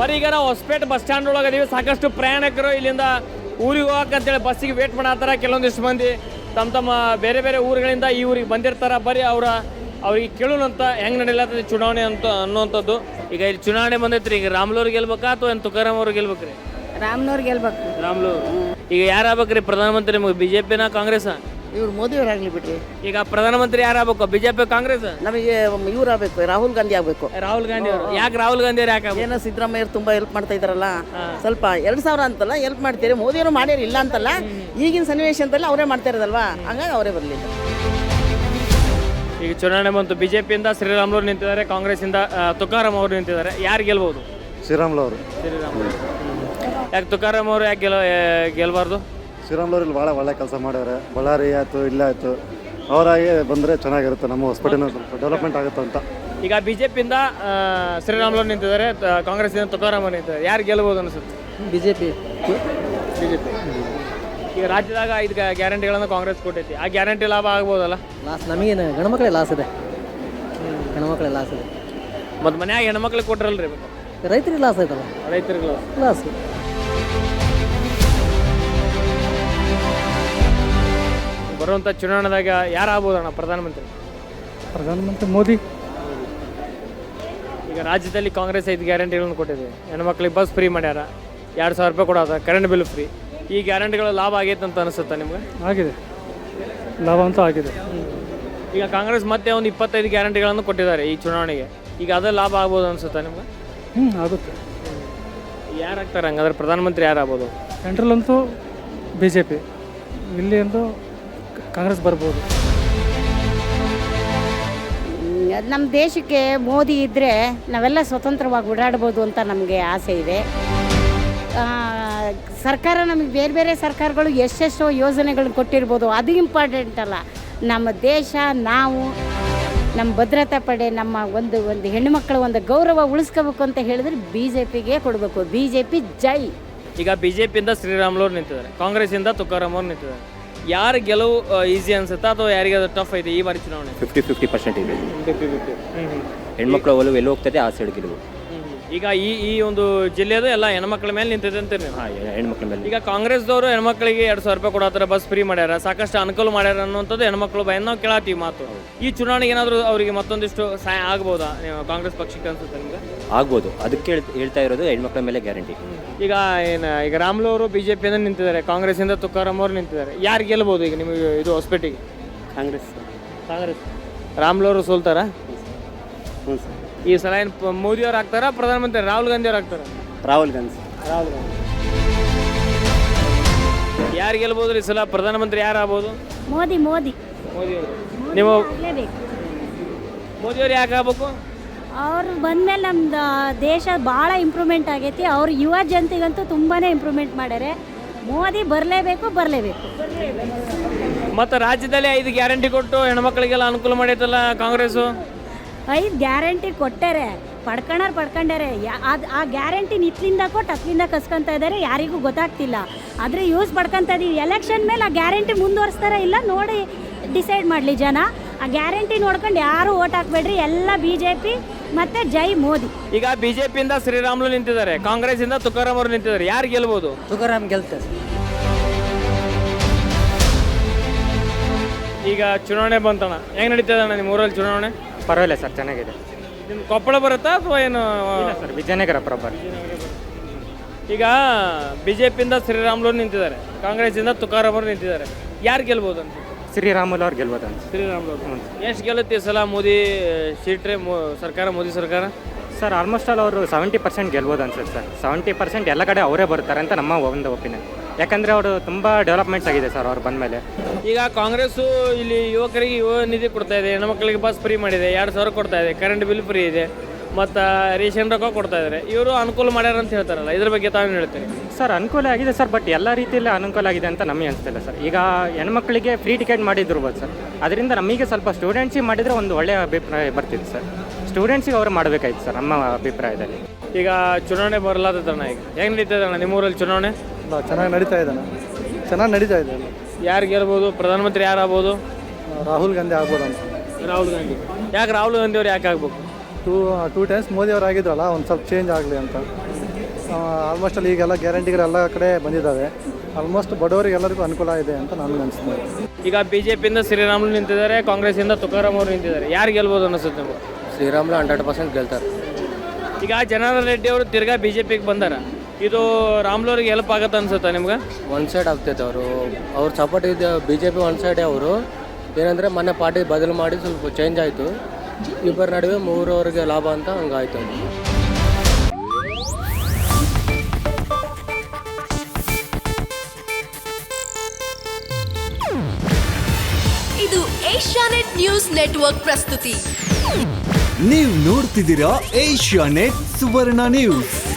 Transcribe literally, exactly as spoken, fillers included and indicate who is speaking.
Speaker 1: ಬರೀ ಈಗ ನಾವು ಹೊಸಪೇಟೆ ಬಸ್ ಸ್ಟ್ಯಾಂಡ್ ಒಳಗೆ ಅದೀವಿ. ಸಾಕಷ್ಟು ಪ್ರಯಾಣಿಕರು ಇಲ್ಲಿಂದ ಊರಿಗೆ ಹೋಗಕ್ಕಂತೇಳಿ ಬಸ್ಸಿಗೆ ವೇಟ್ ಮಾಡತ್ತಾರ. ಕೆಲವೊಂದಿಷ್ಟು ಮಂದಿ ತಮ್ಮ ತಮ್ಮ ಬೇರೆ ಬೇರೆ ಊರುಗಳಿಂದ ಈ ಊರಿಗೆ ಬಂದಿರ್ತಾರೆ. ಬರೀ ಅವರ ಅವ್ರಿಗೆ ಕೇಳೋಣಂತ ಹೆಂಗೆ ನಡೆಯಲತ್ತದ ಚುನಾವಣೆ ಅಂತ ಅನ್ನುವಂಥದ್ದು. ಈಗ ಇಲ್ಲಿ ಚುನಾವಣೆ ಬಂದೈತ್ರಿ. ಈಗ ರಾಮ್ಲೂರ್ ಗೆಲ್ಬೇಕಾ ಅಥವಾ ಏನು ತುಕಾರಾಮ್ ಅವ್ರು ಗೆಲ್ಬೇಕ್ರಿ?
Speaker 2: ರಾಮ್ನವ್ರು ಗೆಲ್ಬೇಕು.
Speaker 1: ರಾಮ್ಲೂರ್. ಈಗ ಯಾರಾಗ್ಬೇಕ್ರಿ ಪ್ರಧಾನಮಂತ್ರಿ? ನಿಮಗೆ ಬಿ ಜೆ ಪಿನ ಕಾಂಗ್ರೆಸ್?
Speaker 3: ಇವ್ರು ಮೋದಿಯವರಾಗಲಿ ಬಿಡ್ರಿ.
Speaker 1: ಈಗ ಪ್ರಧಾನಮಂತ್ರಿ ಯಾರಾಗಬೇಕು? B J P Congress?
Speaker 3: ನಮಗೆ ಇವ್ರು ಆಗಬೇಕು, ರಾಹುಲ್ ಗಾಂಧಿ ಆಗಬೇಕು.
Speaker 1: ರಾಹುಲ್ ಗಾಂಧಿ ಅವರು. ಯಾಕೆ ರಾಹುಲ್ ಗಾಂಧಿ ಅವ್ರು ಯಾಕೆ?
Speaker 3: ಏನೋ ಸಿದ್ದರಾಮಯ್ಯರು ತುಂಬ ಹೆಲ್ಪ್ ಮಾಡ್ತಾ ಇದ್ದಾರಲ್ಲ, ಸ್ವಲ್ಪ ಎರಡು ಸಾವಿರ ಅಂತಲ್ಲ ಹೆಲ್ಪ್ ಮಾಡ್ತೀರಿ. ಮೋದಿಯವರು ಮಾಡ್ಯಾರ ಇಲ್ಲ ಅಂತಲ್ಲ, ಈಗಿನ ಸನ್ನಿವೇಶದಲ್ಲಿ ಅವರೇ ಮಾಡ್ತಾ ಇರೋದಲ್ವಾ, ಹಂಗಾಗಿ ಅವರೇ ಬರಲಿ.
Speaker 1: ಈಗ ಚುನಾವಣೆ ಬಂತು. ಬಿ ಜೆ ಪಿಯಿಂದ ಶ್ರೀರಾಮ್ಲೂರು ನಿಂತಿದ್ದಾರೆ, ಕಾಂಗ್ರೆಸ್ಸಿಂದ ತುಕಾರಾಮ್ ಅವರು ನಿಂತಿದ್ದಾರೆ. ಯಾರು ಗೆಲ್ಬೋದು?
Speaker 4: ಶ್ರೀರಾಮ್ಲು ಅವರು.
Speaker 1: ಶ್ರೀರಾಮ್ಲು. ಯಾಕೆ ತುಕಾರಾಮ್ ಅವರು ಯಾಕೆ ಗೆಲ್ ಗೆಲ್ಬಾರ್ದು?
Speaker 4: ಶ್ರೀರಾಮ್ಲು ಇಲ್ಲಿ ಭಾಳ ಒಳ್ಳೆ ಕೆಲಸ ಮಾಡ್ಯಾರೆ. ಬಳ್ಳಾರಿ ಆಯಿತು, ಇಲ್ಲ ಆಯಿತು, ಅವರಾಗಿ ಬಂದರೆ ಚೆನ್ನಾಗಿರುತ್ತೆ, ನಮ್ಮ ಹಾಸ್ಪಿಟಲ್ ಸ್ವಲ್ಪ ಡೆವಲಪ್ಮೆಂಟ್ ಆಗುತ್ತೆ ಅಂತ.
Speaker 1: ಈಗ ಬಿ ಜೆ ಪಿಯಿಂದ ಶ್ರೀರಾಮ್ಲೂರು ನಿಂತಿದ್ದಾರೆ, ಕಾಂಗ್ರೆಸ್ಸಿಂದ ತುಕಾರಾಮ್ ಅವರು ನಿಂತಿದ್ದಾರೆ. ಯಾರು ಗೆಲ್ಬೋದು ಅನಿಸುತ್ತೆ?
Speaker 3: B J P
Speaker 1: B J P. ಈಗ ರಾಜ್ಯದಾಗ ಐದು ಗ್ಯಾರಂಟಿಗಳನ್ನು ಕಾಂಗ್ರೆಸ್ ಕೊಟ್ಟೈತಿ. ಆ ಗ್ಯಾರಂಟಿ ಲಾಭ ಆಗ್ಬೋದಲ್ಲ?
Speaker 3: ಲಾಸ್ ನಮಗೇನು ಗಣಮಕ್ಕಳೇ ಲಾಸ್ ಇದೆ, ಗಣಮಕ್ಕಳೇ ಲಾಸ್ ಇದೆ.
Speaker 1: ಮತ್ತು ಮನ್ಯಾಗ ಹೆಣ್ಮಕ್ಳಿಗೆ ಕೊಟ್ರಲ್ರಿ?
Speaker 3: ರೈತರಿಗೆ ಲಾಸ್ ಆಯ್ತಲ್ಲ,
Speaker 1: ರೈತರಿಗೆ
Speaker 3: ಲಾಸ್.
Speaker 1: ಬರುವಂಥ ಚುನಾವಣೆದಾಗ ಯಾರು ಆಗ್ಬೋದಣ್ಣ ಪ್ರಧಾನಮಂತ್ರಿ?
Speaker 5: ಪ್ರಧಾನಮಂತ್ರಿ ಮೋದಿ.
Speaker 1: ಈಗ ರಾಜ್ಯದಲ್ಲಿ ಕಾಂಗ್ರೆಸ್ ಐದು ಗ್ಯಾರಂಟಿಗಳನ್ನು ಕೊಟ್ಟಿದೆ. ಹೆಣ್ಮಕ್ಳಿಗೆ ಬಸ್ ಫ್ರೀ ಮಾಡ್ಯಾರ, ಎರಡು ಸಾವಿರ ರೂಪಾಯಿ ಕೊಡೋದ, ಕರೆಂಟ್ ಬಿಲ್ ಫ್ರೀ. ಈ ಗ್ಯಾರಂಟಿಗಳು ಲಾಭ ಆಗೈತೆ ಅಂತ ಅನಿಸುತ್ತಾ ನಿಮ್ಗೆ?
Speaker 5: ಆಗಿದೆ, ಲಾಭ ಅಂತೂ ಆಗಿದೆ.
Speaker 1: ಈಗ ಕಾಂಗ್ರೆಸ್ ಮತ್ತೆ ಒಂದು ಇಪ್ಪತ್ತೈದು ಗ್ಯಾರಂಟಿಗಳನ್ನು ಕೊಟ್ಟಿದ್ದಾರೆ ಈ ಚುನಾವಣೆಗೆ. ಈಗ ಅದೇ ಲಾಭ ಆಗ್ಬೋದು ಅನಿಸುತ್ತಾ ನಿಮ್ಗೆ?
Speaker 5: ಹ್ಞೂ ಆಗುತ್ತೆ.
Speaker 1: ಯಾರು ಆಗ್ತಾರೆ ಹಂಗಾದ್ರೆ ಪ್ರಧಾನಮಂತ್ರಿ ಯಾರು ಆಗ್ಬೋದು?
Speaker 5: ಸೆಂಟ್ರಲ್ ಅಂತೂ ಬಿ ಜೆ ಪಿ, ಇಲ್ಲಿ ಅಂತೂ ಕಾಂಗ್ರೆಸ್ ಬರ್ಬೋದು.
Speaker 2: ನಮ್ಮ ದೇಶಕ್ಕೆ ಮೋದಿ ಇದ್ದರೆ ನಾವೆಲ್ಲ ಸ್ವತಂತ್ರವಾಗಿ ಓಡಾಡ್ಬೋದು ಅಂತ ನಮಗೆ ಆಸೆ ಇದೆ. ಸರ್ಕಾರ ನಮಗೆ ಬೇರೆ ಬೇರೆ ಸರ್ಕಾರಗಳು ಎಷ್ಟೆಷ್ಟೋ ಯೋಜನೆಗಳನ್ನ ಕೊಟ್ಟಿರ್ಬೋದು, ಅದು ಇಂಪಾರ್ಟೆಂಟ್ ಅಲ್ಲ. ನಮ್ಮ ದೇಶ, ನಾವು, ನಮ್ಮ ಭದ್ರತಾ ಪಡೆ, ನಮ್ಮ ಒಂದು ಒಂದು ಹೆಣ್ಣುಮಕ್ಕಳ ಒಂದು ಗೌರವ ಉಳಿಸ್ಕೋಬೇಕು ಅಂತ ಹೇಳಿದ್ರೆ ಬಿ ಜೆ ಪಿಗೆ ಕೊಡಬೇಕು. ಬಿ ಜೆ ಪಿ ಜೈ.
Speaker 1: ಈಗ ಬಿ ಜೆ ಪಿಯಿಂದ ಶ್ರೀರಾಮ್ಲೂರು ನಿಂತಿದ್ದಾರೆ, ಕಾಂಗ್ರೆಸ್ಸಿಂದ ತುಕಾರಾಮ್ ಅವ್ರು ನಿಂತಿದ್ದಾರೆ. ಯಾರು ಗೆಲುವು ಈಸಿ ಅನ್ಸುತ್ತಾ ಅಥವಾ ಯಾರಿಗೆ ಅದು ಟಫ್ ಐತೆ ಈ ಬಾರಿ ಚುನಾವಣೆ?
Speaker 6: ಫಿಫ್ಟಿ ಫಿಫ್ಟಿ ಪರ್ಸೆಂಟ್ ಇದೆ.
Speaker 1: Fifty fifty.
Speaker 6: ಹೆಣ್ಮಕ್ಳ ಒಲವು ಎಲ್ಲಿ ಹೋಗ್ತದೆ ಆ ಸೈಡ್ ಗೆಲುವು.
Speaker 1: ಈಗ ಈ ಈ ಒಂದು ಜಿಲ್ಲೆಯದು ಎಲ್ಲ ಹೆಣ್ಮಕ್ಳ ಮೇಲೆ ನಿಂತಿದೆ ಅಂತೀರಿ ನೀವು?
Speaker 6: ಹಾಂ, ಹೆಣ್ಮಕ್ಳ ಮೇಲೆ.
Speaker 1: ಈಗ ಕಾಂಗ್ರೆಸ್ದವರು ಹೆಣ್ಮಕ್ಳಿಗೆ ಎರಡು ಸಾವಿರ ರೂಪಾಯಿ ಕೊಡತ್ತಾರ, ಬಸ್ ಫ್ರೀ ಮಾಡ್ಯಾರ, ಸಾಕಷ್ಟು ಅನುಕೂಲ ಮಾಡ್ಯಾರ ಅನ್ನುವಂಥದ್ದು ಹೆಣ್ಮಕ್ಳು ಭಯ ನಾವು ಕೇಳತ್ತೀವಿ ಮಾತು. ಈ ಚುನಾವಣೆಗೆ ಏನಾದರೂ ಅವರಿಗೆ ಮತ್ತೊಂದಿಷ್ಟು ಸಹಾಯ ಆಗ್ಬೋದಾ ನೀವು ಕಾಂಗ್ರೆಸ್ ಪಕ್ಷಕ್ಕೆ ಅನ್ಸುತ್ತೆ ನಿಮ್ಗೆ?
Speaker 6: ಆಗ್ಬೋದು, ಅದಕ್ಕೆ ಹೇಳ್- ಹೇಳ್ತಾ ಇರೋದು ಹೆಣ್ಮಕ್ಳ ಮೇಲೆ ಗ್ಯಾರಂಟಿ.
Speaker 1: ಈಗ ಏನು ಈಗ ರಾಮ್ಲು ಅವರು ಬಿ ಜೆ ಪಿಯಿಂದ ನಿಂತಿದ್ದಾರೆ, ಕಾಂಗ್ರೆಸ್ಸಿಂದ ತುಕಾರಾಮ್ ಅವರು ನಿಂತಿದ್ದಾರೆ. ಯಾರು ಗೆಲ್ಬೋದು ಈಗ ನಿಮಗೆ ಇದು ಹೊಸಪೇಟೆಗೆ?
Speaker 6: ಕಾಂಗ್ರೆಸ್.
Speaker 1: ಕಾಂಗ್ರೆಸ್. ರಾಮ್ಲು ಅವರು ಸೋಲ್ತಾರ
Speaker 6: ಹ್ಞೂ ಸರ್.
Speaker 1: ಈ ಸಲ ಏನು ಮೋದಿ ಅವ್ರು ಆಗ್ತಾರ ಪ್ರಧಾನಮಂತ್ರಿ ರಾಹುಲ್ ಗಾಂಧಿ ಅವ್ರು ಆಗ್ತಾರ?
Speaker 6: ರಾಹುಲ್ ಗಾಂಧಿ.
Speaker 1: ರಾಹುಲ್ ಗಾಂಧಿ. ಯಾರು ಗೆಲ್ಬೋದು ಈ ಸಲ ಪ್ರಧಾನಮಂತ್ರಿ ಯಾರು ಆಗ್ಬೋದು?
Speaker 2: ಮೋದಿ ಮೋದಿ
Speaker 1: ಮೋದಿ ಅವರು. ನೀವು
Speaker 2: ಆಗಲೇಬೇಕು.
Speaker 1: ಮೋದಿ ಅವ್ರು ಯಾಕೆ ಆಗ್ಬೇಕು?
Speaker 2: ಅವ್ರು ಬಂದಮೇಲೆ ನಮ್ದು ದೇಶ ಭಾಳ ಇಂಪ್ರೂವ್ಮೆಂಟ್ ಆಗೈತಿ. ಅವ್ರು ಯುವ ಜನತೆಗಂತೂ ತುಂಬಾ ಇಂಪ್ರೂವ್ಮೆಂಟ್ ಮಾಡ್ಯಾರೆ. ಮೋದಿ ಬರಲೇಬೇಕು, ಬರಲೇಬೇಕು.
Speaker 1: ಮತ್ತು ರಾಜ್ಯದಲ್ಲಿ ಐದು ಗ್ಯಾರಂಟಿ ಕೊಟ್ಟು ಹೆಣ್ಮಕ್ಳಿಗೆಲ್ಲ ಅನುಕೂಲ ಮಾಡೈತಲ್ಲ ಕಾಂಗ್ರೆಸ್ಸು?
Speaker 2: ಐದು ಗ್ಯಾರಂಟಿ ಕೊಟ್ಟಾರೆ, ಪಡ್ಕೊಂಡಾರು ಪಡ್ಕೊಂಡಾರೆ. ಅದು ಆ ಗ್ಯಾರಂಟಿ ನಿತ್ಲಿಂದ ಕೊಟ್ಟು ಹತ್ಲಿಂದ ಕಸ್ಕೊತಾ ಇದ್ದಾರೆ, ಯಾರಿಗೂ ಗೊತ್ತಾಗ್ತಿಲ್ಲ. ಆದರೆ ಯೂಸ್ ಪಡ್ಕೊತಾ ಇದೀವಿ. ಎಲೆಕ್ಷನ್ ಮೇಲೆ ಆ ಗ್ಯಾರಂಟಿ ಮುಂದುವರಿಸ್ತಾರ ಇಲ್ಲ ನೋಡಿ ಡಿಸೈಡ್ ಮಾಡಲಿ ಜನ. ಆ ಗ್ಯಾರಂಟಿ ನೋಡ್ಕೊಂಡು ಯಾರು ಓಟ್ ಹಾಕ್ಬೇಡ್ರಿ, ಎಲ್ಲ ಬಿ ಜೆ ಪಿ ಮತ್ತು ಜೈ ಮೋದಿ.
Speaker 1: ಈಗ ಬಿ ಜೆ ಪಿಯಿಂದ ಶ್ರೀರಾಮ್ಲು ನಿಂತಿದ್ದಾರೆ, ಕಾಂಗ್ರೆಸ್ಸಿಂದ ತುಕಾರಾಮ್ ಅವರು ನಿಂತಿದ್ದಾರೆ. ಯಾರು ಗೆಲ್ಬೋದು?
Speaker 3: ತುಕಾರಾಮ್ ಗೆಲ್ತಾರೆ.
Speaker 1: ಈಗ ಚುನಾವಣೆ ಬಂತಣ್ಣ, ಹೆಂಗೆ ನಡೀತದೆ ಅಣ್ಣ ನಿಮ್ಮ ಊರಲ್ಲಿ ಚುನಾವಣೆ?
Speaker 5: ಪರವಾಗಿಲ್ಲ ಸರ್, ಚೆನ್ನಾಗಿದೆ.
Speaker 1: ನಿಮ್ಮ ಕೊಪ್ಪಳ ಬರುತ್ತಾ ಅಥವಾ ಏನು?
Speaker 5: Sir Vijayanagara proper.
Speaker 1: ಈಗ ಬಿ ಜೆ ಪಿಯಿಂದ ಶ್ರೀರಾಮ್ಲು ನಿಂತಿದ್ದಾರೆ, ಕಾಂಗ್ರೆಸ್ಸಿಂದ ತುಕಾರಾಮ್ ಅವರು ನಿಂತಿದ್ದಾರೆ. ಯಾರು ಗೆಲ್ಬೋದು ಅಂತ?
Speaker 5: ಶ್ರೀರಾಮುಲು ಅವ್ರು ಗೆಲ್ಬೋದು ಅಂತ.
Speaker 1: ಶ್ರೀರಾಮ್ಲು. ಎಷ್ಟು ಗೆಲ್ಲುತ್ತೆ ಈ ಸಲ ಮೋದಿ ಸೀಟ್ರೆ ಸರ್ಕಾರ, ಮೋದಿ ಸರ್ಕಾರ?
Speaker 5: ಸರ್ ಆಲ್ಮೋಸ್ಟ್ ಆಲ್ ಅವರು ಸೆವೆಂಟಿ ಪರ್ಸೆಂಟ್ ಗೆಲ್ಬೋದು ಅನ್ಸುತ್ತೆ ಸರ್. ಸೆವೆಂಟಿ ಪರ್ಸೆಂಟ್ ಎಲ್ಲ ಕಡೆ ಅವರೇ ಬರ್ತಾರೆ ಅಂತ ನಮ್ಮ ಒಂದು ಒಪಿನಿಯನ್. ಯಾಕಂದರೆ ಅವರು ತುಂಬ ಡೆವಲಪ್ಮೆಂಟ್ಸ್ ಆಗಿದೆ ಸರ್ ಅವ್ರು ಬಂದಮೇಲೆ.
Speaker 1: ಈಗ ಕಾಂಗ್ರೆಸ್ಸು ಇಲ್ಲಿ ಯುವಕರಿಗೆ ಯುವ ನಿಧಿ ಕೊಡ್ತಾ ಇದೆ, ಹೆಣ್ಮಕ್ಳಿಗೆ ಬಸ್ ಫ್ರೀ ಮಾಡಿದೆ, ಎರಡು ಸಾವಿರ ಕೊಡ್ತಾ ಇದೆ, ಕರೆಂಟ್ ಬಿಲ್ ಫ್ರೀ ಇದೆ, ಮತ್ತು ರೇಷನ್ ರೊಕ್ಕ ಕೊಡ್ತಾ ಇದ್ದಾರೆ. ಇವರು ಅನುಕೂಲ ಮಾಡ್ಯಾರ ಅಂತ ಹೇಳ್ತಾರಲ್ಲ, ಇದ್ರ ಬಗ್ಗೆ ತಾವೇನು ಹೇಳ್ತೀರಿ?
Speaker 5: ಸರ್ ಅನುಕೂಲ ಆಗಿದೆ ಸರ್, ಬಟ್ ಎಲ್ಲ ರೀತಿಯಲ್ಲಿ ಅನುಕೂಲ ಆಗಿದೆ ಅಂತ ನಮಗೆ ಅನಿಸ್ತಿಲ್ಲ ಸರ್. ಈಗ ಹೆಣ್ಮಕ್ಳಿಗೆ ಫ್ರೀ ಟಿಕೆಟ್ ಮಾಡಿದಿರ್ಬೋದು ಸರ್, ಅದರಿಂದ ನಮಗೆ ಸ್ವಲ್ಪ ಸ್ಟೂಡೆಂಟ್ಸಿಗೆ ಮಾಡಿದರೆ ಒಂದು ಒಳ್ಳೆಯ ಅಭಿಪ್ರಾಯ ಬರ್ತಿತ್ತು ಸರ್. ಸ್ಟೂಡೆಂಟ್ಸಿಗೆ ಅವರು ಮಾಡಬೇಕಾಯ್ತು ಸರ್ ನಮ್ಮ ಅಭಿಪ್ರಾಯದಲ್ಲಿ.
Speaker 1: ಈಗ ಚುನಾವಣೆ ಬರಲಾದಣ್ಣ, ಈಗ ಹೆಂಗೆ ನಡೀತದೆ ಅಣ್ಣ ನಿಮ್ಮೂರಲ್ಲಿ ಚುನಾವಣೆ?
Speaker 4: ಚೆನ್ನಾಗಿ ನಡೀತಾ ಇದ್ದಾನೆ, ಚೆನ್ನಾಗಿ ನಡೀತಾ ಇದೆ.
Speaker 1: ಯಾರು ಗೆಲ್ಬೋದು? ಪ್ರಧಾನಮಂತ್ರಿ ಯಾರು ಆಗ್ಬೋದು?
Speaker 4: ರಾಹುಲ್ ಗಾಂಧಿ ಆಗ್ಬೋದು ಅಂತ.
Speaker 1: ರಾಹುಲ್ ಗಾಂಧಿ. ಯಾಕೆ ರಾಹುಲ್ ಗಾಂಧಿ ಅವ್ರು ಯಾಕೆ ಆಗ್ಬೇಕು?
Speaker 4: ಟೂ ಟೂ ಟೈಮ್ಸ್ ಮೋದಿ ಅವರು ಆಗಿದ್ರಲ್ಲ, ಒಂದು ಸ್ವಲ್ಪ ಚೇಂಜ್ ಆಗಲಿ ಅಂತ. ಆಲ್ಮೋಸ್ಟ್ ಅಲ್ಲಿ ಈಗೆಲ್ಲ ಗ್ಯಾರಂಟಿಗಳು ಎಲ್ಲ ಕಡೆ ಬಂದಿದ್ದಾವೆ. ಆಲ್ಮೋಸ್ಟ್ ಬಡವರಿಗೆ ಎಲ್ಲರಿಗೂ ಅನುಕೂಲ ಇದೆ ಅಂತ ನನಗೆ ಅನಿಸ್ತದೆ.
Speaker 1: ಈಗ ಬಿ ಜೆ ಪಿಯಿಂದ ಶ್ರೀರಾಮುಲು ನಿಂತಿದ್ದಾರೆ, ಕಾಂಗ್ರೆಸ್ಸಿಂದ ತುಕಾರಾಮ್ ಅವರು ನಿಂತಿದ್ದಾರೆ. ಯಾರು ಗೆಲ್ಬೋದು ಅನಿಸುತ್ತೆ ನಿಮ್ಗೆ?
Speaker 7: ಶ್ರೀರಾಮುಲು ಹಂಡ್ರೆಡ್ ಪರ್ಸೆಂಟ್ ಗೆಲ್ತಾರೆ.
Speaker 1: ಈಗ ಜನಾರ್ದನ್ ರೆಡ್ಡಿ ಅವರು ತಿರ್ಗಾ ಬಿ ಜೆ ಪಿಗೆ ಬಂದಾರ. ಇದು ರಾಮುಲು ಅವ್ರಿಗೆ ಹೆಲ್ಪ್ ಆಗುತ್ತೆ ಅನ್ಸುತ್ತಾ ನಿಮ್ಗೆ?
Speaker 7: ಒನ್ ಸೈಡ್ ಆಗ್ತೈತೆ ಅವರು ಅವ್ರ ಸಪೋರ್ಟ್ ಇದೆ ಬಿ ಜೆ ಪಿ ಒನ್ ಸೈಡೇ. ಅವರು ಏನಂದರೆ ಮೊನ್ನೆ ಪಾರ್ಟಿ ಬದಲು ಮಾಡಿ ಸ್ವಲ್ಪ ಚೇಂಜ್ ಆಯಿತು. ಇಬ್ಬರ ನಡುವೆ ಮೂರವರೆಗೆ ಲಾಭ ಅಂತ ಹಂಗಾಯ್ತು.
Speaker 8: ಇದು ಏಷ್ಯಾನೆಟ್ ನ್ಯೂಸ್ ನೆಟ್ವರ್ಕ್ ಪ್ರಸ್ತುತಿ.
Speaker 9: ನೀವು ನೋಡ್ತಿದ್ದೀರಾ ಏಷ್ಯಾನೆಟ್ ಸುವರ್ಣ ನ್ಯೂಸ್.